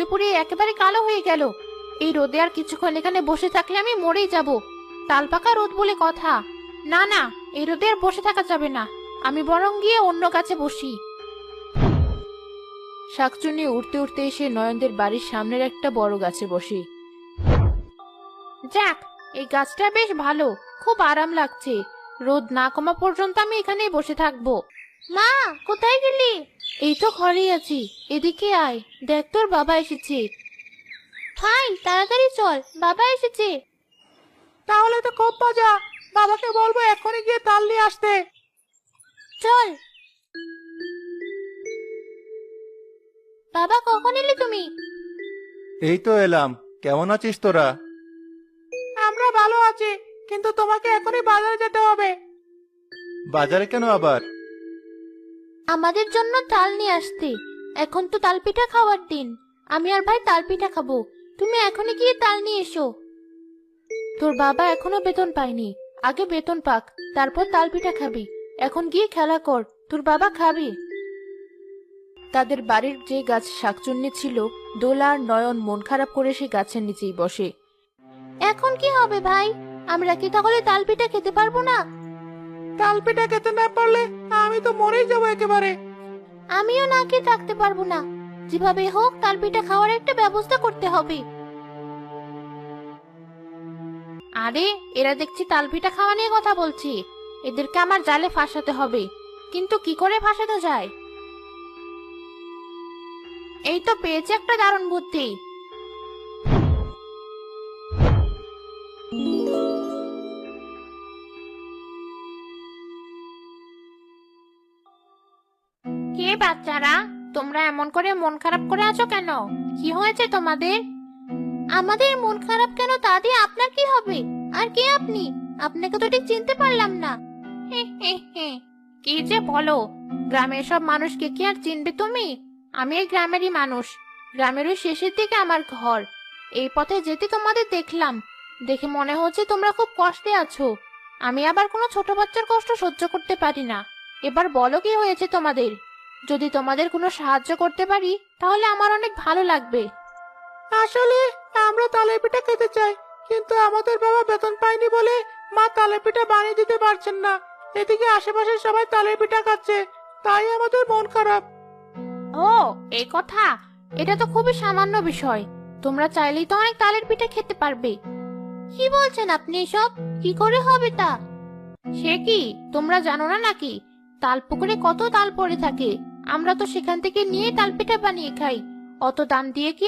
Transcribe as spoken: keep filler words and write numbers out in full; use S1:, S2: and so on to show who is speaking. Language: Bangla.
S1: পুড়ে একেবারে কালো হয়ে গেল। এই রোদে আর কিছুক্ষণ এখানে বসে থাকলে আমি মরেই যাব। তাল পাকা রোদ বলে কথা। না না, এই রোদে আর বসে থাকা যাবে না। আমি বরং গিয়ে অন্য গাছে বসি। শাকচুন্নি উঠতে উঠতে এসে নয়নদের বাড়ির সামনের একটা বড় গাছে বসে। যাক, এই গাছটা বেশ ভালো, খুব আরাম লাগছে। রোদ না কমা পর্যন্ত আমি এখানেই বসে থাকবো। মা, কোথায় গেলি? এই তো ঘরেই আছি, এদিকে আয়, দেখ তোর বাবা এসেছে। হাই, তাড়াতাড়ি চল, বাবা এসেছে।
S2: তাহলে তো খুব মজা। বাবাকে বলবো এখনই গিয়ে তাল নিয়ে আসতে।
S1: চল। বাবা, কখন এলে তুমি?
S3: এই তো এলাম। কেমন আছিস তোরা?
S2: আমরা ভালো আছি, কিন্তু তোমাকে এখনই বাজারে যেতে হবে।
S3: বাজারে কেন আবার?
S1: আমাদের জন্য তাল নিয়ে আসতে। এখন তো তাল পিঠা খাওয়ার দিন। আমি আর ভাই তাল পিঠা খাবো। তুমি এখনই গিয়ে তাল নিয়ে এসো। তোর বাবা এখনো বেতন পায়নি, আগে বেতন পাক, তারপর তাল পিঠা খাবি। এখন গিয়ে খেলা কর, তোর বাবা খাবি। তাদের বাড়ির যে গাছ শাকচুন্নি ছিল, দোলা আর নয়ন মন খারাপ করে সে গাছের নিচেই বসে। এখন কি হবে ভাই? আমরা কি তাহলে তাল পিঠা খেতে পারবো না?
S2: তাল পিঠা খেতে না পারলে আমি তো মরেই যাবো একেবারে।
S1: আমিও না খেয়ে থাকতে পারবো না। যেভাবে হোক তাল পিঠা খাওয়ার একটা ব্যবস্থা করতে হবে। আরে, এরা দেখছি তাল পিঠা খাওয়া নিয়ে কথা বলছি। এদেরকে আমার জালে ফাঁসাতে হবে, কিন্তু কি করে ফাঁসাতে যায়? এই তো পেয়েছি একটা দারুণ বুদ্ধি। কে বাচ্চারা, তোমরা এমন করে মন খারাপ করে আছো কেন? কি হয়েছে তোমাদের? আমাদের মন খারাপ কেন তা দিয়ে আপনার কি হবে? আর কে আপনি? আপনাকে তো ঠিক চিনতে পারলাম না। হে হে হে, কি যে বলো! গ্রামের সব মানুষকে কি আর চিনবে তুমি? আমি এই গ্রামেরই মানুষ। গ্রামের ওই শেষের দিকে আমার ঘর। এই পথে যেতে তোমাদের দেখলাম, দেখে মনে হচ্ছে তোমরা খুব কষ্টে আছো। আমি আবার কোনো ছোট বাচ্চার কষ্ট সহ্য করতে পারি না। এবার বলো কি হয়েছে তোমাদের? যদি তোমাদের কোনো সাহায্য করতে পারি তাহলে আমার অনেক ভালো লাগবে।
S2: আসলে আমরা তালের পিঠা খেতে চাই, কিন্তু আমাদের বাবা বেতন পায়নি বলে মা তালের পিঠা বানিয়ে দিতে পারছেন না। এদিকে আশেপাশে সবাই তালের পিঠা খাচ্ছে, তাই আমাদের মন খারাপ।
S1: ও, এই কথা! এটা তো খুবই সামান্য বিষয়। তোমরা চাইলেই তো অনেক তালের পিঠা খেতে পারবে। কি বলছেন আপনি এসব? কি করে হবে তা? সে কি, তোমরা জানো না নাকি? তাল পুকুরে কত তাল পড়ে থাকে, আমরা তো সেখান থেকে নিয়ে তাল পিঠা বানিয়ে খাই। অত দাম দিয়ে কি